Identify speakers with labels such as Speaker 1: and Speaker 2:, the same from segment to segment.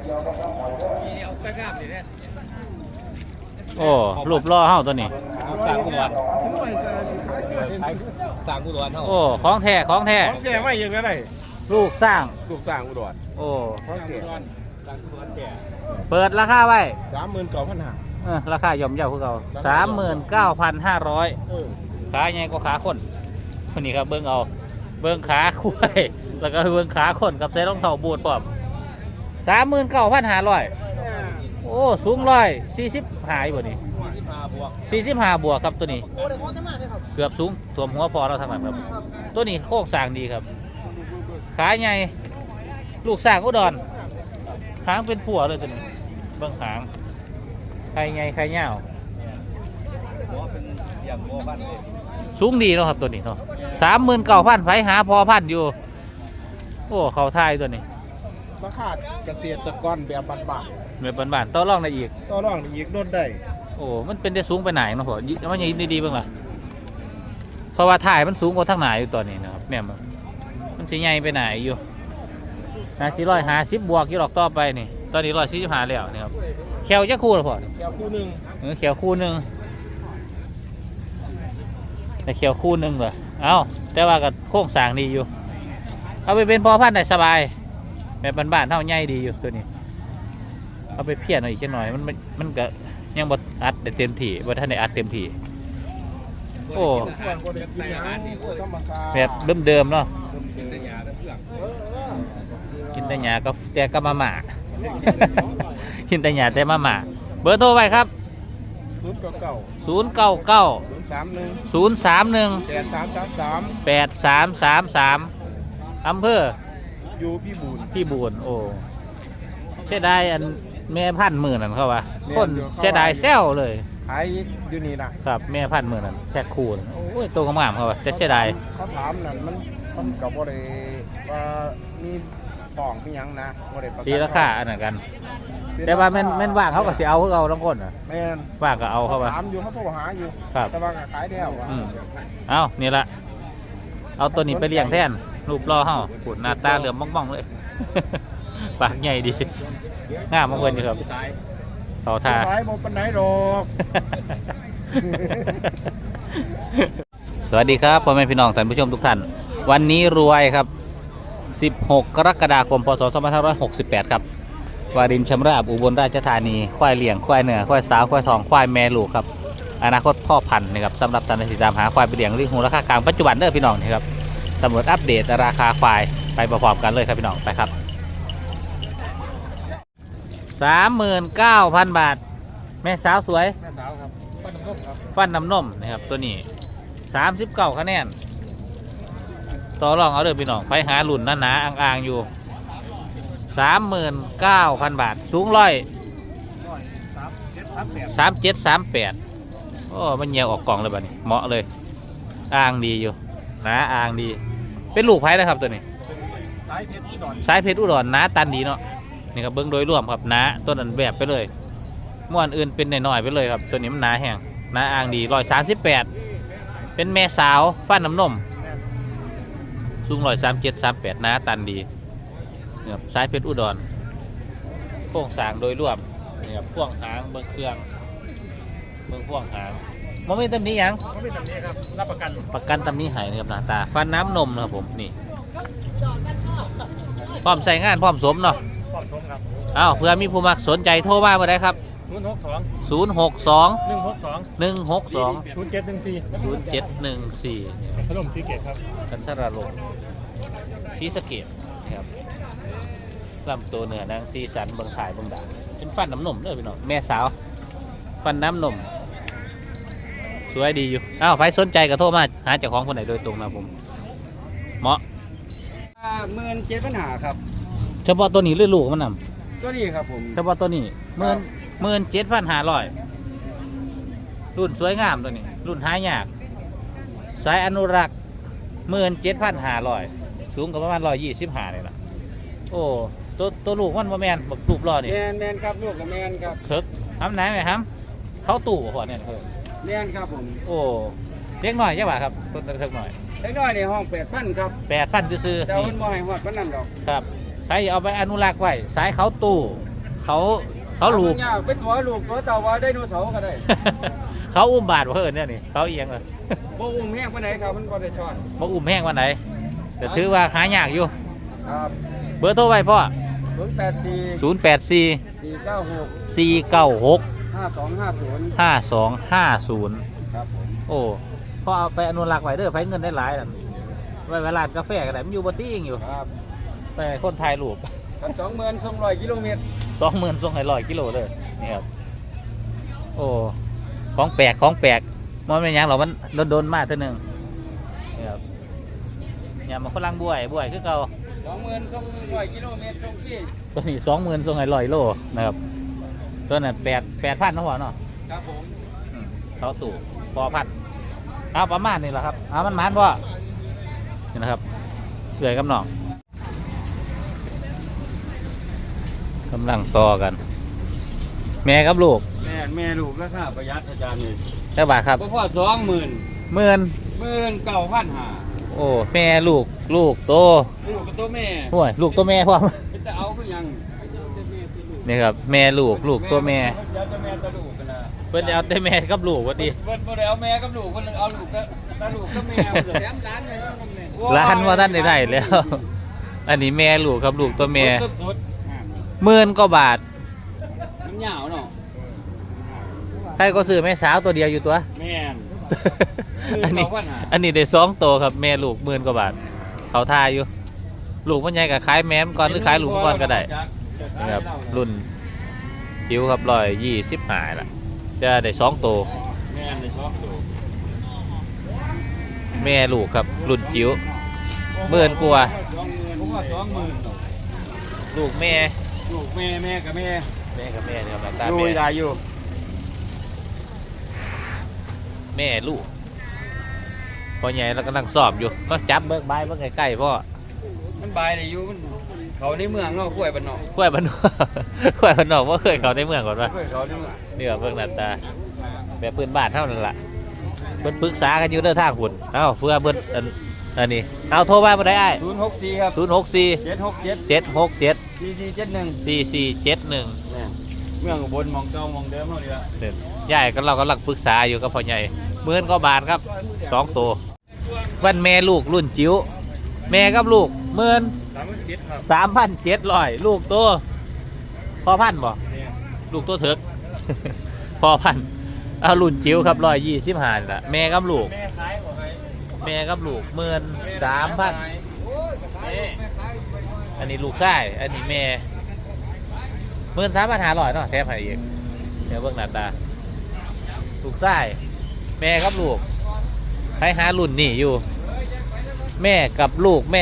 Speaker 1: เอาไปกราบสิเนี่ย
Speaker 2: โอ้รูปล่อเฮาตัวนี้
Speaker 1: สร้างกุดวนสร้างกุดวนเท่า
Speaker 2: โอ้ของแท้ของแท้
Speaker 1: ของแก่ไม่ยังไง
Speaker 2: ลูกสร้าง
Speaker 1: ลูกสร้างกุดวน
Speaker 2: โอ้
Speaker 1: ของแก่สร้างกุดวนแก่
Speaker 2: เปิดราคาไว้
Speaker 1: 39,500
Speaker 2: ราคาย่อมเยาว์คือเก่า39,500ขาใหญ่กว่าขาคนคนนี้ครับเบิ้งเอาเบิ้งขาคุ้ยแล้วก็เบิ้งขาคนกับใส่รองเท้าบูทพร้อม39,500โอ้สูง145อยู่บ่นี่45บวกครับตัวนี้เกือบสูงถ่วมหัวพอเราทางนั้นครับตัวนี้โค้งสร้างดีครับขาใหญ่ลูกสร้างอุดรหางเป็นผัวเลยตัวนี้เบิ้งหางไข่ใหญ่ไข่ยาวสูงดีเนาะครับตัวนี้เนาะ39,000ไฟหาพอพันอยู่โอ้เขาทายตัวนี้
Speaker 1: ราคาเกษตรกรแบบบ้าน
Speaker 2: แบบบ้านๆต่อรองได้อีก
Speaker 1: ต่อรองอีกโดนได้
Speaker 2: โอ้มันเป็นได้สูงไปไหนเนาะพ่อมันยังดีๆบ้างล่ะเพราะว่าถ่ายมันสูงกว่าทางไหนอยู่ตอนนี้นะครับเนี่ยมันสิใหญ่ไปไหนอยู่450บวกอยู่หรอกต่อไปนี่ตอนนี้145แล้วนี่ครับแควจะคู่หรอพ่อ
Speaker 1: แก้วคู่หนึ่ง
Speaker 2: แควคู่หนึ่งแต่แควคู่หนึ่งเหรอเอ้าแต่ว่ากับโค้งสร้างดีอยู่เอาไปเป็นพอพันธุ์ได้สบายแบบบ้านๆเท่าใหญ่ดีอยู่ตัวนี้เอาไปเพี้ยนอีกหน่อยมันก็ยังบดอัดได้เต็มที่บดท่านได้อัดเต็มที่โอ้แบบเดิมๆเนาะกินแต่หญ้าก็แต่ก็มาหมากินแต่หญ้าแต่มาหมาเบอร์โทรไว้ครับ099 031 8333อำเภอ
Speaker 1: อยู่พี่บูน
Speaker 2: โอ้เสียดายอันแม่พันหมื่นนั่นเขาว่าคนเสียดายแซวเลย
Speaker 1: ขายอยู่นี่นะครับ
Speaker 2: แม่พันหมื่นนั่นแค่คูณโอ้ยตัวงามๆเขาว่าจะเสียดาย
Speaker 1: เขาถามนั่นมันกับบ่ได้ว่ามีป่องมีหยังนะบ่ได้ประกัน
Speaker 2: ตีราคาอันนั้นกัน แต่ว่าแม่นว่างเขาก็สิเอาคือเอาทั้งคนน่ะ
Speaker 1: แม่น
Speaker 2: ว่างก็เอาเขาว่า
Speaker 1: ถามอยู่เขาโทรหาอยู่
Speaker 2: ครับ
Speaker 1: แต่ว่าก็ขายแล้วอะ
Speaker 2: เอานี่ละเอาตัวนี้ไปเลี้ยงแทนรูปรอเฮาปูดหน้าตาเหลือมบ้องๆเลย ปากใหญ่ดีงามมากเลยนี่ครับต่อทา
Speaker 1: ขายบ่ปานไหนดอก
Speaker 2: สวัสดีครับพ่อแม่พี่น้องท่านผู้ชมทุกท่านวันนี้รวยครับ16 กรกฎาคม พศ 2568 ครับวารินชำราบอุบลราชธานีควายเลี้ยงควายเนื้อควายสาวควายทองควายแม่ลูกครับอนาคตพ่อพันธุ์นะครับสำหรับท่านที่ตามหาควายไปเลี้ยงหรือหูราคากลางปัจจุบันเด้อพี่น้องนี่ครับตำรวจอัปเดตราคาควายไปประกอบกันเลยครับพี่น้องไปครับ 39,000 บาทแม่สาวสวย
Speaker 1: แม่สาวครับฟันน้ำนมครับ
Speaker 2: ฟันน้ำนมนะครับตัวนี้39คะแนนต่อรองเอาเด้อพี่น้องไปหาหลุ่นหนาๆอ่างๆอยู่39,000 บาทสูง3738โอ้มันเหี่ยวออกกล่องเลยบัดนี้เหมาะเลยอ่างดีอยู่หนาอ่างดีเป็นลูกไผ่นะครับตัวนี้
Speaker 1: สายเพชรอุดร
Speaker 2: สายเพชรอุดรหนาตันดีเนาะนี่ครับเบิ้งโดยรวมครับหนาต้นอันแบบไปเลยม้วนอื่นเป็นหน่อยๆไปเลยครับตัวนี้มันหนาแห้งหนาอ่างดี138เป็นแม่สาวฟันน้ำนมสูง137-38หนาตันดีนี่ครับสายเพชรอุดรโครงสร้างโดยรวมนี่ครับพ่วงหางเบิ้งเครื่องเบิ้งพ่วงหางมันไม่ตำหนิหยัง
Speaker 1: เขาเป็นแบบนี้ครับรับประกัน
Speaker 2: ประกันตำหนิหายนะครับหน้าตาฟันน้ำนมนะครับผมนี่พร้อมใส่งานพร้อมสวมเนาะ
Speaker 1: สอบชมครับ
Speaker 2: อ้าวเพื่อมีผู้มักสนใจโทรมาเมื่อไรครับ
Speaker 1: 062
Speaker 2: 062
Speaker 1: 162
Speaker 2: 162
Speaker 1: 0714
Speaker 2: 0714
Speaker 1: ขนมซีเกตครับ
Speaker 2: กันทราลงชีสะเกตครับลำตัวเนื้อนางซีสันเบิงขายเบิงด่าเป็นฟันน้ำนมเลยพี่น้องแม่สาวฟันน้ำนมสวยดีอยู่อ้าวใครสนใจก็โทรมาหาเจ้าของคนไหนโดยตรงนะผมเหมาะ
Speaker 1: 17,500ครับ
Speaker 2: เฉพาะตัวนี้เลือดลูกมันน
Speaker 1: ก็นี่ครับผม
Speaker 2: ำเฉพาะตัวนี้17,500รุ่นสวยงามตัวนี้ รุ่นหายากสายอนุรักษ์17,500สูงกับประมาณ125เลยล่ะโอ้ตัวลูกมันบ่แมนบักตูบรอนี่
Speaker 1: แมนครับลูกกับแมนครับ
Speaker 2: เถิกทำไหนไหมครับเขาตู่หัวเนี่ยเถิก
Speaker 1: แมนครับผม
Speaker 2: โอ้เล็กหน่อยใช่ป่ะครับต้นเถิกหน่อย
Speaker 1: เล็กน้อยในห้อง8,000ครับ
Speaker 2: 8,000ซื้อ
Speaker 1: แต่
Speaker 2: ๆนี่
Speaker 1: มันบ่ให้ฮอดปานนั้นดอก
Speaker 2: ครับใช้เอาไปอนุรักษ์ไว้สายเขาตู่เขาลูก
Speaker 1: เป็นตัวลูกตัวเต่าว่าไดโนเสาร์ก็ได้
Speaker 2: เขาอุ้มบาดเพิ่นเนี่ยนี่เขาเอียงเลย
Speaker 1: บ่อุ้มแห้งปานไหนครับมันบ่ได้ช้อน
Speaker 2: บ่อุ้มแห้งวันไหนแต่ถือว่าหายากอยู่
Speaker 1: ครับ
Speaker 2: เบอร์โทรไว้พ่อ
Speaker 1: 084
Speaker 2: 084
Speaker 1: 496
Speaker 2: 496
Speaker 1: 5250
Speaker 2: 5250
Speaker 1: ครับผม
Speaker 2: โอ้พอเอาไปอนุรักษ์ไว้เด้อไผเงินได้หลายนั่นไว้เวลานกาแฟก็ได้มันอยู่บ่ติ้งอยู่
Speaker 1: ครับ
Speaker 2: ไปคนถ่ายรูป
Speaker 1: กัน20,200กิโลเมตร
Speaker 2: 20,000ส่งให้100กิโลเลยนี่ครับโอ้ของแปลกของแปลกมันเป็นหยังหรอกมันโดนๆมาเท่านึงนี่ครับอย่ามาฝรั่งบวยคือเก่า
Speaker 1: 20,200กิโลเมตรส่งที่
Speaker 2: ตัวนี้20,000ส่งให้100โลนะครับตัวนั้น8,000นะหัวเนาะ
Speaker 1: ครับผม
Speaker 2: เขาตู่พอพันเอาประมาณนี้แหละครับเอามันพ่อนี่นะครับเกลือกับหนองกำลังต่อกัน แม่กับลูก
Speaker 1: แม่ลูกราคาประหยัดอาจารย์นี่
Speaker 2: เท่าบาทครับ
Speaker 1: บ่พอ20,000
Speaker 2: 19,000
Speaker 1: 19,500
Speaker 2: โอ้แม่ลูกโต
Speaker 1: ลูกกับตัวแม่
Speaker 2: ห่วยลูกตัวแม่พ่อ
Speaker 1: จะเอาคือยัง
Speaker 2: นี่ครับแม่ลูกตัวแม่
Speaker 1: เดี๋ยวจะแม่ตะลูกกันนะ
Speaker 2: เพิ่นจะเอาแต่แม่กับลูกว่าดี
Speaker 1: เพิ่นบ่ได้เอาแม่กับลูกเพิ่นเอาลูกกับตาลูกกับแม่แถมร้านเลยว่าผมเนี่ย
Speaker 2: ร้านว่าท่านได้แล้ว อันนี้แม่ลูกครับลูกตัวแม่
Speaker 1: สุด
Speaker 2: 10,000 กว่าบาท
Speaker 1: ๆมันยาวเนาะ
Speaker 2: ใครก็ซื้อแม่สาวตัวเดียวอยู่ตัว
Speaker 1: แม่น
Speaker 2: อันนี้ได้2 ตัวครับแม่ลูก10,000 กว่าบาทเขาทาอยู่ ลูกมันใหญ่กับขายแม่มก่อนหรือขายลูกก่อนก็ได้นะครับรุ่นจิ๋วครับ125ล่ะจะได้2 ตัว
Speaker 1: แม่นได้ชอบดู
Speaker 2: แม่ลูกครับรุ่นจิ๋ว10,000 กว่า
Speaker 1: ผมว่า20,000
Speaker 2: ลูกแม่
Speaker 1: ลูกแม่กับแม่
Speaker 2: กับแม่เนี่ยครับตา
Speaker 1: ดู
Speaker 2: แม่
Speaker 1: ได้อยู่
Speaker 2: แม่ลูกพอใหญ่แล้วก็นั่งสอบอยู่ก็จับเบิกใบเบิกใกล้ๆพ่อ
Speaker 1: มันบายได้อยู่มันเขาในเมืองเนาะกล้วยบ้านนอก
Speaker 2: กล้วยบ้านนอก กล้วยบ้านนอกว่าเคยเขาในเมืองก่อนวะ
Speaker 1: กล้วยเขาในเมือง
Speaker 2: นี่ก็เบิ่งหน้าตาแบบปืนบ้านเท่านั้นล่ะเบิ่นปรึกษากันอยู่เด้อทางหุ่นเอ้าเพื่อเบิ่นอันนี้เอาโทรมาบ่ได้อ้าย
Speaker 1: 064ครับ
Speaker 2: 064
Speaker 1: 767
Speaker 2: 767
Speaker 1: 4471
Speaker 2: 4471
Speaker 1: เมืองอุบลมองเก่ามองเดิมเท่านี้ละ
Speaker 2: เนี่ยยายก็เรากำลังปรึกษาอยู่กับพ่อใหญ่10,000 กว่าบาทครับ2 ตัววันแม่ลูกรุ่นจิ๋วแม่กับลูก
Speaker 1: 37,000
Speaker 2: 3,700ลูกตัวพอพันบ่ลูกตัวเถิก พอพันเอารุ่นจิ๋วครับ125นี่ล่ะแม่กับลูก
Speaker 1: แม่ขายบ่ให้
Speaker 2: แม่กับลูก13,000อันนี้ลูกชายอันนี้แม่13,500เนาะแถมให้อีกเดี๋ยวเบิ่งหน้าตาลูกชายแม่กับลูกให้หารุ่นนี่อยู่ แม่กับลูก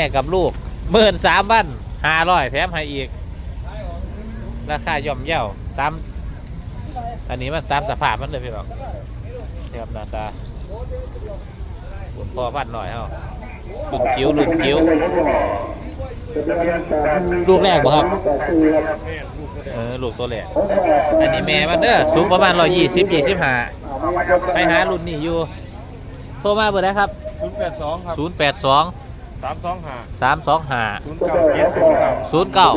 Speaker 2: 13,500แถมให้อีกราคาย่อมเยาตามอันนี้มันตามสภาพมันเลยพี่น้องเทียบหน้าตาบุญพ่อพันหน่อยเฮารุ่นจิ๋วลูกแรกบ่ครับลูกตัวแรกอันนี้แม่มันเด้อสูงประมาณ120-25ไปหารุ่นนี่อยู่โทรมาเบอร์ได้ครับ
Speaker 1: 082ครับ
Speaker 2: 082
Speaker 1: 325
Speaker 2: 325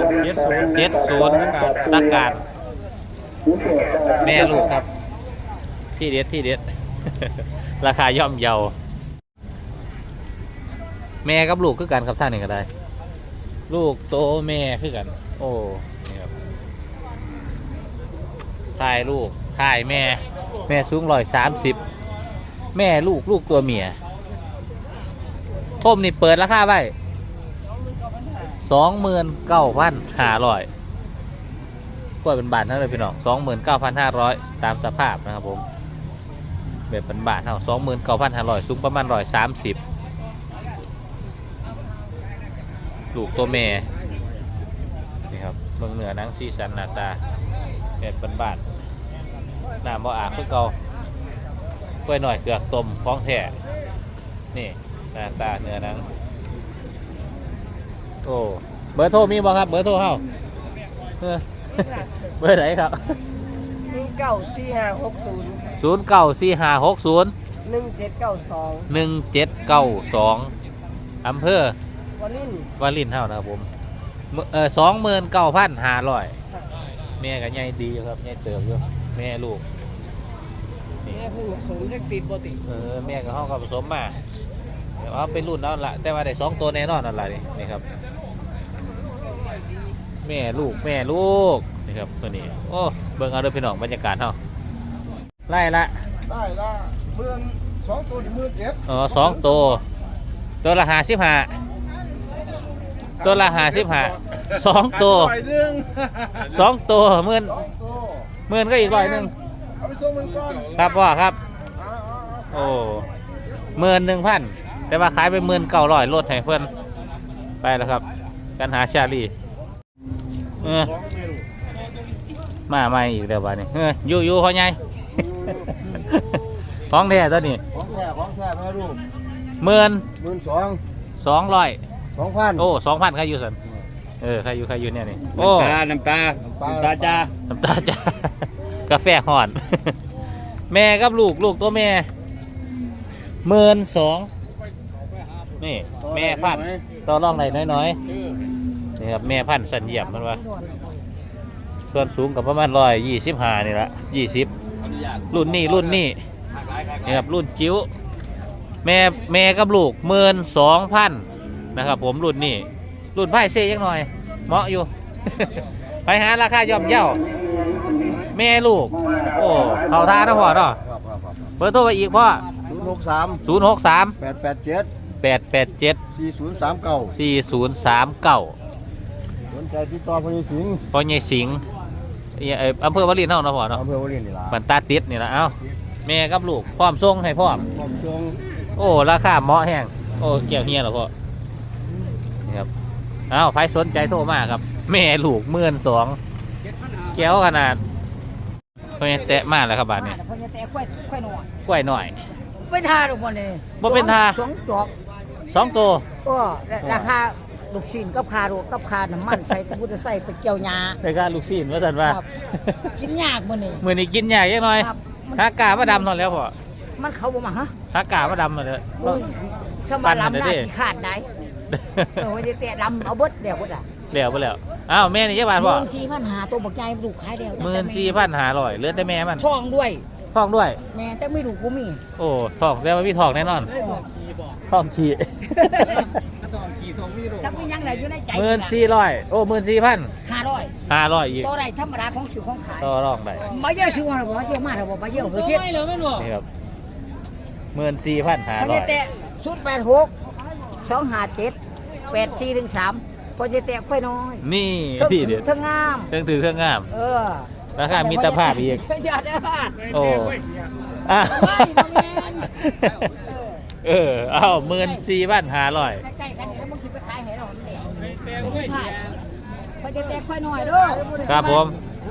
Speaker 2: 0970 ตักการแม่ลูกครับที่เด็ด ราคาย่อมเยาแม่กับลูกคือกันครับท่านหนึ่งก็ได้ ลูกโตแม่คือกัน โอ้นี่ครับถ่ายลูกถ่ายแม่สูง130แม่ลูกตัวเมียผมนี่เปิดราคาไว้29,500กว่าเป็นบาทเท่าไหร่พี่น้อง29,500ตามสภาพนะครับผมแบบเป็นบาทเท่า29,500สูงประมาณ130ลูกตัวแม่นี่ครับเมืองเหนือนังซีสันหน้าตาแบบเป็นบาทน้ำบ่อาบคือเก่ากล้วยหน่อยเกลือกต้มฟ้องแท้นี่หน้าตาเนื้อนังโอ้เบอร์โทรมีบ่ครับเบอร์โทรเฮาเบอร์ไหนครับ
Speaker 3: 094560
Speaker 2: 094560
Speaker 3: 1792
Speaker 2: 1792อำเภอ
Speaker 3: วันนี้
Speaker 2: วารินเท่านะครับผม29,500 แม่ก็ใหญ่ดีอยู่ครับใหญ่เติบอยู่แม่ลูกนี่
Speaker 3: แม่ผู้สูงจะติดบ่ติด
Speaker 2: แม่กับห้องเขาผสมมาเดี๋ยวเอาเป็นรุ่นนั่นละแต่ว่าได้2ตัวแน่นอนนั่นแหละนี่ครับแม่ลูกนี่ครับตัวนี้โอ้เบิ่งเอาเด้อพี่น้องบรรยากาศเฮาไล่ละ
Speaker 1: ได้ละ12 ตัวที่17,000
Speaker 2: อ๋อ2ตัวละ55ตัวละ55 2ตัว2ตัวหมื่น
Speaker 1: 2 ตัว
Speaker 2: หมื่นก็อีก100
Speaker 1: เอาไปส่งมันก่อน
Speaker 2: ครับพ่อครับ
Speaker 1: เอา
Speaker 2: โอ้11,000แต่ว่าขายไป19,000ลดให้เพิ่นไปแล้วครับกันหาชาลี
Speaker 1: ของแม่ลูก
Speaker 2: มาใหม่อีกเดี๋ยวบัดนี้อยู่เขาใหญ่ ของแท้ตัวนี้
Speaker 1: ของแท้แม่ลูก
Speaker 2: 12,200
Speaker 1: 2,000
Speaker 2: โอ้ 2,000ใครอยู่สันใครอยู่เนี่ยนี่โอ้
Speaker 3: น้ำตาจ้า
Speaker 2: น้ำตาจ้า กาแฟห่อน แม่กับลูกตัวแม่12,000นี่แม่พันธุ์ต่อรองไหนน้อยๆนี่ครับแม่พันธุ์สันเยี่ยมมันว่าส่วนสูงกับประมาณ125นี่ละ20รุ่นนี้นี่ครับรุ่นจิ๋วแม่กับลูก12,000นะครับผมรุ่นนี้รุ่นไพ่เซ่ยังหน่อยเหมาะอยู่ ไปหาราคาย่อมเย่าแม่ลูกโอ้เขาท่านะพ่อเนาะ
Speaker 1: ครับ
Speaker 2: เปิดตัวไปอีกพ่อ
Speaker 1: 063
Speaker 2: 063
Speaker 1: 887
Speaker 2: 887
Speaker 1: 4039
Speaker 2: 4039
Speaker 1: สนใจติดต่อพญสิงห์
Speaker 2: พ่อใหญ่สิงห์อำเภอวารินเฮาเนาะพ่อเนาะ
Speaker 1: อำเภอวารินนี่ล่ะ
Speaker 2: บันตาติดนี่ละเอ้าแม่กับลูกพร้อมส่งให้พร้อม
Speaker 1: ผมชง
Speaker 2: โอ้ราคาเหมาะแห้งโอ้เกี่ยวเฮียเหรอพ่อนี่ครับเอ้าใครสนใจโทรมาครับแม่ลูก12,000แก้วขนาดเพิ่นแตะมากแล้วครับบาดนี้
Speaker 3: เพิ่นจะแต่ค่อยหน่อย
Speaker 2: กล้วยหน่อย
Speaker 3: เป็นทาดอกบ่นี่
Speaker 2: บ่เป็นทา
Speaker 3: 2 จอก
Speaker 2: 2ตัว
Speaker 3: ราคาลูกชิ้นกับคาโรกับคาน้ำมันใส่กูจะใส่ไปเกี่ยวหญ้า
Speaker 2: ในการลูกชิ้นว่าซั่นว่า
Speaker 3: ครับ กินยากบ่นี่
Speaker 2: มื้อนี้กินยากจังหน่อย
Speaker 3: ครับ
Speaker 2: หากามาดำนอนแล้วพ่อ
Speaker 3: มันเขาบ่มาฮะ
Speaker 2: หากามาดำมาเลย
Speaker 3: ถ้ามาลำได้ขี้ขาดได้ว่าจะแต่ลำเอาเบิดเดี๋ยวพุ่นอ่ะ
Speaker 2: แล้วไปแล้วอ้าวแม่นี่จักบาทพ่อ
Speaker 3: 14,500ตัวบักใหญ่ลูกขายแล้ว
Speaker 2: 14,500เหลือแต่แม่มัน
Speaker 3: ทองด้วย
Speaker 2: ทองด้วย
Speaker 3: แม่แต่ไม่ลูกบ่มี
Speaker 2: โอ้ทองแล้วมันมีทองแน่นอนทองขี้
Speaker 3: ถ้ามียังไหนอยู่ในใจ
Speaker 2: 14,000โอ้14,000
Speaker 3: 500
Speaker 2: 500อีก
Speaker 3: ตัวใดธรรมดาของสิวของขาย
Speaker 2: ต่อรองได้
Speaker 3: มาเยอะสิว่าบ่เยอะมากบ่เยอะเฮ็ด
Speaker 2: นี่ครับ14,500
Speaker 3: แต่086 257 8413พอจะแตะค่อยน้อย
Speaker 2: นี่ที่เด็ด
Speaker 3: ทั้งงาม
Speaker 2: เครื่องถือเครื่องงาม ราคามิตรภาพอีก
Speaker 3: ยอดเด้อ
Speaker 2: โอ้อ่ะ
Speaker 3: ไม่บ่แม่น
Speaker 2: เอา14,500
Speaker 3: ใกล้ๆกันนี่แล้วมึงสิไปขายให้เรามันแดงพอจะแตะค่อยน้อยเด้อ
Speaker 2: ครับผม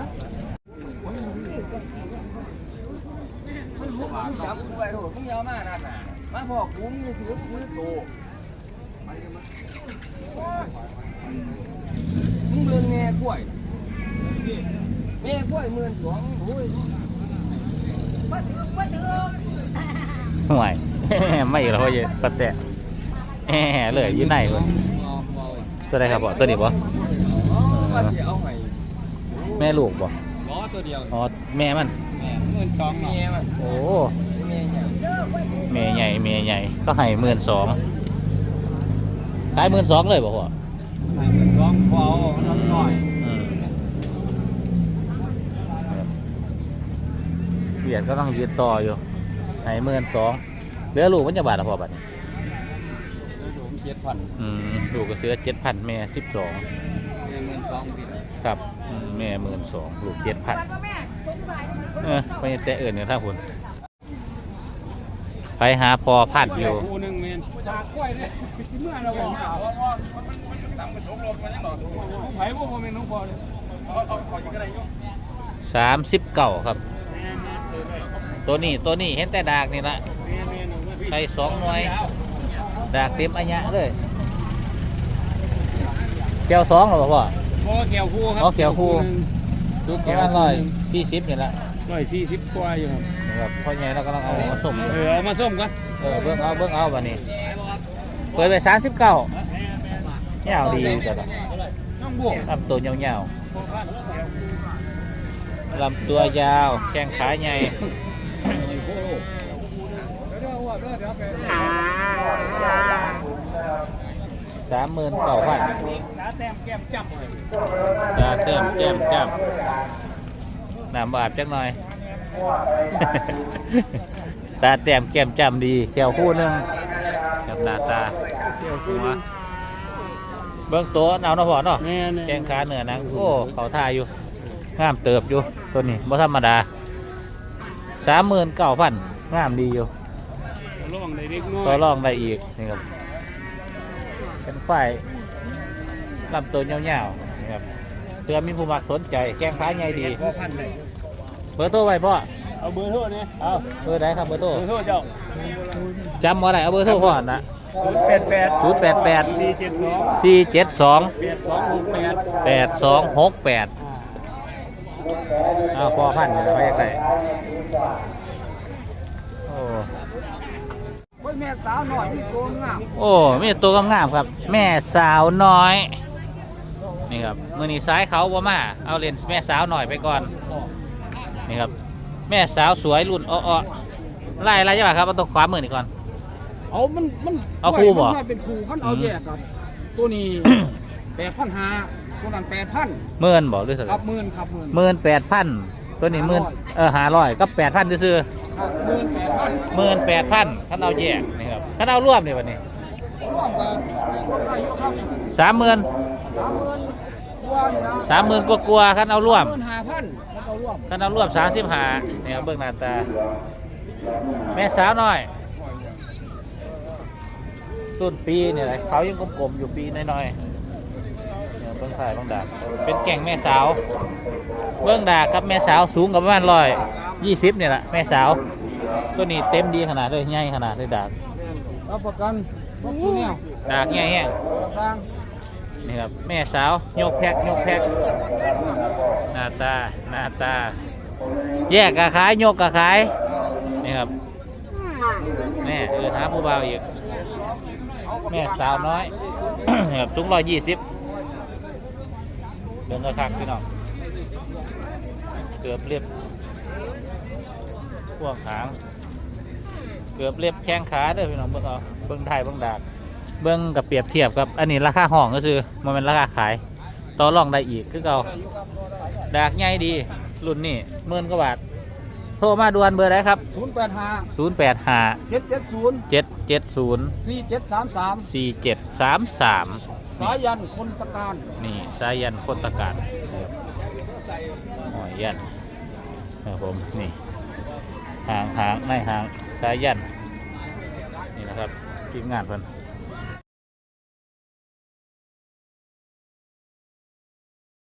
Speaker 3: จับกูไว้โหมึงยาวมากนั่นน่ะมาบอกกูมีสิกูโตมึงเบิ่งแง่กล้วยแง่กล้วย12,000โอ้ยบ่ถึง
Speaker 2: ห่วย ไม่เหรอพ่อเย็นปัดแต่เลยอยู่ไหนวะตัวใดครับบ่ตัวนี้บ่แม่ลูกบ่
Speaker 3: ตัวเดียว
Speaker 2: อ๋อแม่มัน
Speaker 3: 12,000แม่มัน
Speaker 2: โอ้
Speaker 3: แม่ใหญ่
Speaker 2: แม่ใหญ่ก็ให้12,000ขาย12,000เลยบ่พ่อ
Speaker 3: 12,000พอเอาน้อย
Speaker 2: เปลี่ยนก็ต้องยืนต่ออยู่ให้12,000เหลือลูกมันจะบาทละพ่อบัดนี้
Speaker 3: 7,000
Speaker 2: ลูกก็เสือ7,000แม่12
Speaker 3: 12,000
Speaker 2: ครับแม่12,000ลูก7,000ไปแต่เอื่นเนี่ยถ้าคุณไปหาพอพันธุ์อยู่
Speaker 3: คู่นึงแม่นจากกล้วยเนี่ยเมื่อเราบอกไผบ่แม่นน้องพอเลย
Speaker 2: 39ครับตัวนี้เห็นแต่ดากนี่ละใช้2หน่วยดากเต็มอัญญะเลยแก้ว2หรอพ่อ
Speaker 3: บ่แก้วคู่ครับ
Speaker 2: อ๋อแก้วคู่ทุกประมาณ140นี่ละ
Speaker 3: 140กว่าอยู่ครับ
Speaker 2: ครับพ่อใหญ่เรากำลังเอามาส่ง
Speaker 3: เอามาส้มก่อน
Speaker 2: เบิ่งเอาบัดนี้เปิดไป39ยาวดีแต่ละ
Speaker 3: น้องบวก
Speaker 2: ทำตัวยาวๆลำตัวยาวแข้งขาใหญ่39,000ตาแต้มแก้มจับน้ำบาดจักหน่อย ตาแต้มแก้มจำดีแก้วคู่หนึงกับหน้าตาเกี่ยวหัวเบื้องตัวเอาหน้าพอเนาะแข้งขาเหนือนังโอ้เขาท่าอยู่งามเติบอยู่ตัวนี้บ่ธรรมดา 39,000งามดีอยู่ต่อรองได้อีกนี่ครับเป็นฝ่ายลำตัวยาวๆนี่ครับเพื่อมีผู้มักสนใจแข้งขาใหญ่ดีเบอร์โทรไว้พ่อเอาเบอร์โทรนี่เอาเบอร์ไหนครับเบอร์โทรเจ้าจำว่าไรเอาเบอร์โทรพ่อนะ088 472 8268เอาพ่อพันธุ์ไปยังไงโอ้
Speaker 3: แม่สาวหน่อยมีตัวงาม
Speaker 2: โอ้มีตัวงามๆครับแม่สาวน้อยนี่ครับมือนี้ซ้ายเขาบ่มาเอาเลนส์แม่สาวหน่อยไปก่อนนี่ครับแม่สาวสวยรุ่นอ้อๆไล่ใช่ป่ะครับเอาตัวขวามือนี่ก่อน
Speaker 3: มัน
Speaker 2: เอาคู่บ่
Speaker 3: มันเป็นคู่พันเอาแยกกับตัวนี้ 8,500ตัวนั้น8,000
Speaker 2: หมื่นบอกหรือเท่าไห
Speaker 3: ค
Speaker 2: ร่
Speaker 3: รับ18,000
Speaker 2: 18,000ตัวนี้500ก็8,000ซื้อ
Speaker 3: ครับ18,000
Speaker 2: 18,000ท่านเอาแยกนี่ครับท่านเอาร่วมนี่วันนี้
Speaker 3: ร่วมกันได้อยู่ครับ
Speaker 2: 30,000
Speaker 3: 30,000กว่าอยู่นะ
Speaker 2: 30,000กลัวๆท่านเอาร่วม
Speaker 3: 15,000แล้วก็ร่วม
Speaker 2: ท่านเอาร่วม35นี่ครับเบิ่งหน้าตาแม่สาวน้อยต้นปีเนี่ยเขายังกลมๆอยู่ปีน้อยๆเนี่ยเบิ่งถ่ายเบิ่งดากเป็นแก่งแม่สาวเบิ่งดากครับแม่สาวสูงกับประมาณ120เนี่ยแหละแม่สาวตัวนี้เต็มดีขนาดเลยใหญ่ขนาดเลยดาก
Speaker 3: รับประกันบ่มีแนว
Speaker 2: ดากใหญ่แห้ง
Speaker 3: ทาง
Speaker 2: นี่ครับแม่สาวยกแพ็กหน้าตาแยกกะขายยกกะขายนี่ครับแม่หาผู้บ่าวอีกแม่สาวน้อย นี่ครับสูง120เดินกระคักพี่น้องเกือบเรียบพวกหางเกือบเรียบแข้งขาเด้อพี่น้องเบิ่งเอาเบิ่งไทยเบิ่งดากเบิ่งกับเปรียบเทียบกับอันนี้ราคาห้องก็คือมันเป็นราคาขายต่อรองได้อีกคือเก่าดากใหญ่ดีรุ่นนี้10,000 กว่าบาทโทรมาด่วนเบอร์ไหนครับ
Speaker 3: 085
Speaker 2: 085
Speaker 3: 770
Speaker 2: 770
Speaker 3: 4733
Speaker 2: 4733
Speaker 3: สายันคนตะการ
Speaker 2: นี่สายันคนตะการหอยยันครับผมนี่หางในหางสายันนี่นะครับทีมงานเพิ่น